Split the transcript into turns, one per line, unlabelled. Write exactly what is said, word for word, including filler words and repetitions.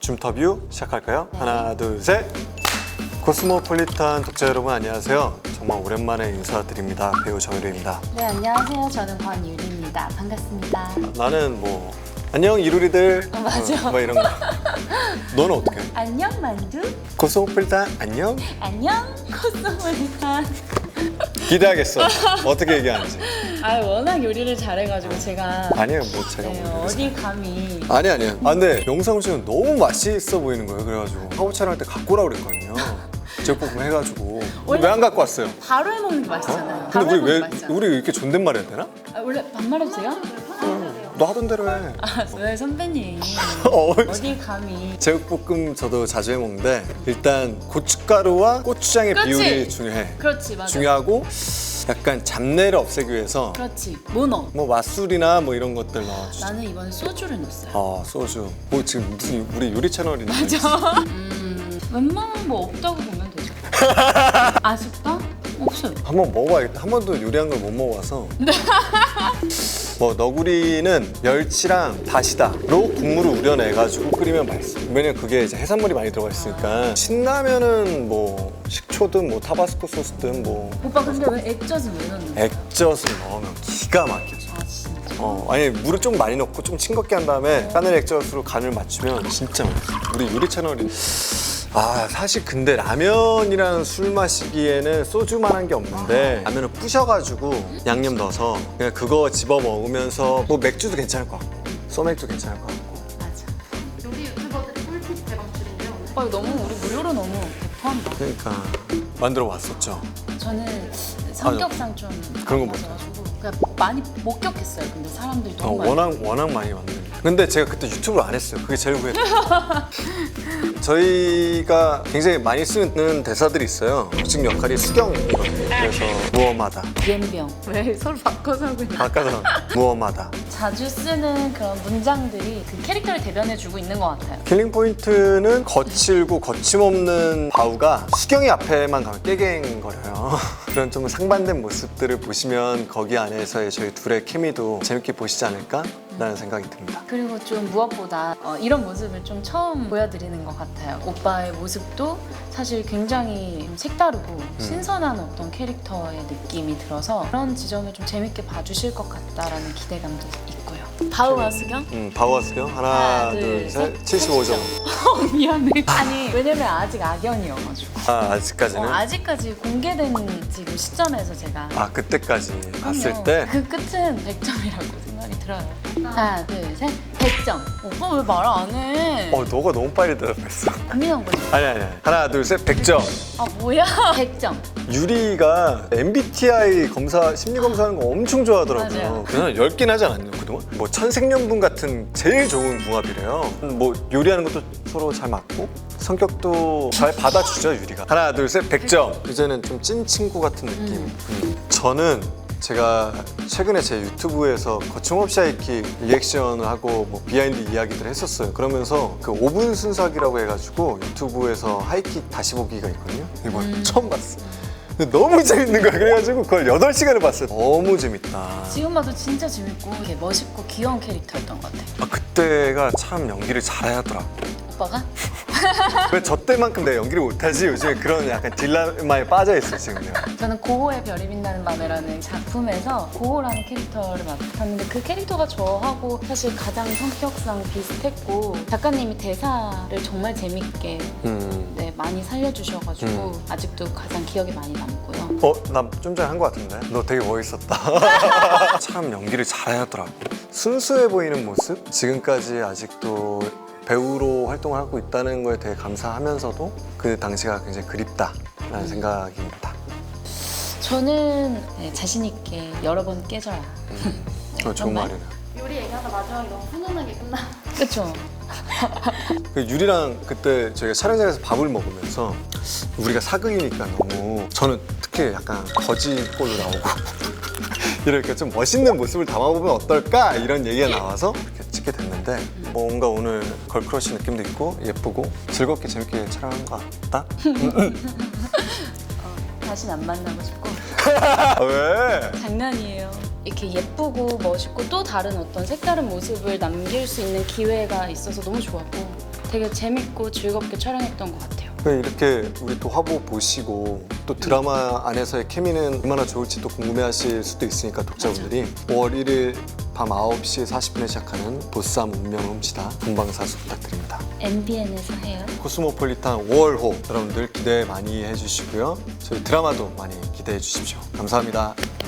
줌터뷰 시작할까요?
네.
하나, 둘, 셋! 코스모폴리탄 독자 여러분 안녕하세요. 정말 오랜만에 인사드립니다. 배우 정유리입니다.
네, 안녕하세요. 저는 권유리입니다. 반갑습니다.
나는 뭐 안녕 이루리들
어, 맞아.
뭐 이런 거. 너는 어떻게 해?
안녕, 만두.
코스모폴리탄 안녕?
안녕, 코스모폴리탄.
기대하겠어. 어떻게 얘기하는지.
아, 워낙 요리를 잘해가지고 제가
아니에요, 뭐 제가
네,
뭐
어디 감히.
아니 아니야. 아 근데 영상 보시면 너무 맛있어 보이는 거예요. 그래가지고 화보 촬영할 때 갖고 오라 그랬거든요. 제육볶음 해가지고 왜 안 갖고 왔어요?
바로 해먹는 게 맛있잖아요.
근데
바로
우리
해먹는
왜
게 맛있잖아요.
우리 이렇게 존댓말 해야 되나?
아, 원래 반말해주세요?
너 하던 대로 해.
아, 왜 선배님?
어,
어디 감히.
제육볶음 저도 자주 해 먹는데 일단 고춧가루와 고추장의
그렇지.
비율이 중요해.
그렇지, 맞아.
중요하고 약간 잡내를 없애기 위해서
그렇지. 뭐 넣어?
뭐 맛술이나 뭐 이런 것들 넣어주죠.
나는 이번에 소주를 넣었어요.
아 소주. 뭐 지금 무슨 우리 요리 채널인데.
맞아. 음, 웬만한 뭐 없다고 보면 되죠. 아쉽다? 없어요.
한번 먹어봐야겠다. 한 번도 요리한 걸 못 먹어봐서. 뭐 너구리는 멸치랑 다시다로 국물을 우려내가지고 끓이면 맛있어. 왜냐면 그게 이제 해산물이 많이 들어가 있으니까. 신라면은 뭐 식초든 뭐 타바스코 소스든 뭐
오빠 근데 왜 액젓은 왜 넣는 거야?
액젓을 넣으면 기가 막혀져.
아 진짜?
어, 아니 물을 좀 많이 넣고 좀 싱겁게 한 다음에 까늘 액젓으로 간을 맞추면 진짜 맛있어. 우리 요리 채널이. 아 사실 근데 라면이랑 술 마시기에는 소주만한 게 없는데 라면을 부셔가지고 양념 넣어서 그냥 그거 집어 먹으면서 뭐 맥주도 괜찮을 것 같고 소맥도 괜찮을 것 같고.
맞아.
요리 유튜버들 꿀팁 대방출인데요.
오빠 이거 너무 우리 무료로 너무 배포한다.
그러니까 만들어 왔었죠.
저는 성격상 좀
그런 거
맞아가지고 그냥 많이 목격했어요. 근데 사람들이
어,
너무 많이.
워낙 워낙 많이 만드는. 근데 제가 그때 유튜브를 안 했어요. 그게 제일 후회돼요. 저희가 굉장히 많이 쓰는 대사들이 있어요. 즉 역할이 수경이거든요. 그래서 무엄하다.
옌병. 왜 서로 바꿔서 하고 있나?
바꿔서 무엄하다.
자주 쓰는 그런 문장들이 그 캐릭터를 대변해주고 있는 것 같아요.
킬링 포인트는 거칠고 거침없는 바우가 수경이 앞에만 가면 깨갱거려요. 그런 좀 상반된 모습들을 보시면 거기 안에서의 저희 둘의 케미도 재밌게 보시지 않을까라는 생각이 듭니다.
그리고 좀 무엇보다 어, 이런 모습을 좀 처음 보여드리는 것 같아요. 오빠의 모습도 사실 굉장히 좀 색다르고 신선한 어떤 캐릭터의 느낌이 들어서 그런 지점을 좀 재밌게 봐주실 것 같다라는 기대감도 있고요. 바우와 수경?
음, 바우와 수경 하나,
하나,
둘,
둘,
셋,
셋.
칠십오 점.
어, 미안해. 아니 왜냐면 아직 악연이어가지고
아 아직까지는.
어, 아직까지 공개된 지금 시점에서 제가
아 그때까지 봤을
그럼요.
때.
그 끝은 백 점이라고 생각이 들어요. 하나 둘셋 백 점. 오빠 왜 말 안 해?
어 너가 너무 빨리 대답했어.
고민한 거지.
아니 아니 아니. 하나 둘 셋 백 점.
아 뭐야? 백 점.
유리가 엠비티아이 검사 심리 검사하는 거 엄청 좋아하더라고요.
맞아요.
그냥 열 개나 하지 않았나요 그동안? 뭐 천생연분 같은 제일 좋은 궁합이래요. 뭐 요리하는 것도 서로 잘 맞고 성격도 잘 받아주죠 유리가. 하나 둘 셋 백 점. 이제는 좀 찐 친구 같은 느낌. 음. 저는 제가 최근에 제 유튜브에서 거침없이 하이킥 리액션을 하고 뭐 비하인드 이야기들을 했었어요. 그러면서 그 오 분 순삭이라고 해가지고 유튜브에서 하이킥 다시 보기가 있거든요. 이거
음.
처음 봤어. 근데 너무 재밌는 거야. 그래가지고 그걸 여덟 시간을 봤어요. 너무 재밌다.
지금 봐도 진짜 재밌고 되게 멋있고 귀여운 캐릭터였던 것 같아요.
아, 그때가 참 연기를 잘하더라.
오빠가?
왜 저 때만큼 내가 연기를 못하지? 요즘에 그런 약간 딜레마에 빠져있어 지금 내가.
저는 고호의 별이 빛나는 밤에라는 작품에서 고호라는 캐릭터를 맡았는데 그 캐릭터가 저하고 사실 가장 성격상 비슷했고 작가님이 대사를 정말 재밌게
음.
네, 많이 살려주셔가지고
음.
아직도 가장 기억에 많이 남고요.
어? 나 좀 전에 한 거 같은데? 너 되게 멋있었다. 참 연기를 잘하더라고. 순수해 보이는 모습? 지금까지 아직도 배우로 활동을 하고 있다는 거에 되게 감사하면서도 그 당시가 굉장히 그립다라는 생각입니다.
저는 네, 자신 있게 여러 번 깨져라.
음. 어, 좋은
정말?
말이네.
요리 얘기하다 마지막에 너무 훈훈하게 끝나.
그쵸?
그 유리랑 그때 저희가 촬영장에서 밥을 먹으면서 우리가 사극이니까 너무 저는 특히 약간 거지꼴로 나오고 이렇게 좀 멋있는 모습을 담아보면 어떨까 이런 얘기가 나와서 이렇게 찍게 됐는데 뭔가 오늘 걸크러쉬 느낌도 있고 예쁘고 즐겁게 재밌게 촬영한 것 같다?
어, 다시는 안 만나고 싶고
아, 왜?
장난이에요. 이렇게 예쁘고 멋있고 또 다른 어떤 색다른 모습을 남길 수 있는 기회가 있어서 너무 좋았고 되게 재밌고 즐겁게 촬영했던 것 같아요.
네, 이렇게 우리 또 화보 보시고 또 드라마 안에서의 케미는 얼마나 좋을지 또 궁금해하실 수도 있으니까 독자분들이 오월 일일 밤 아홉 시 사십 분에 시작하는 보쌈 운명을 훔치다 본방사수 부탁드립니다.
엠비엔에서 해요.
코스모폴리탄 오월호 여러분들 기대 많이 해주시고요. 저희 드라마도 많이 기대해 주십시오. 감사합니다.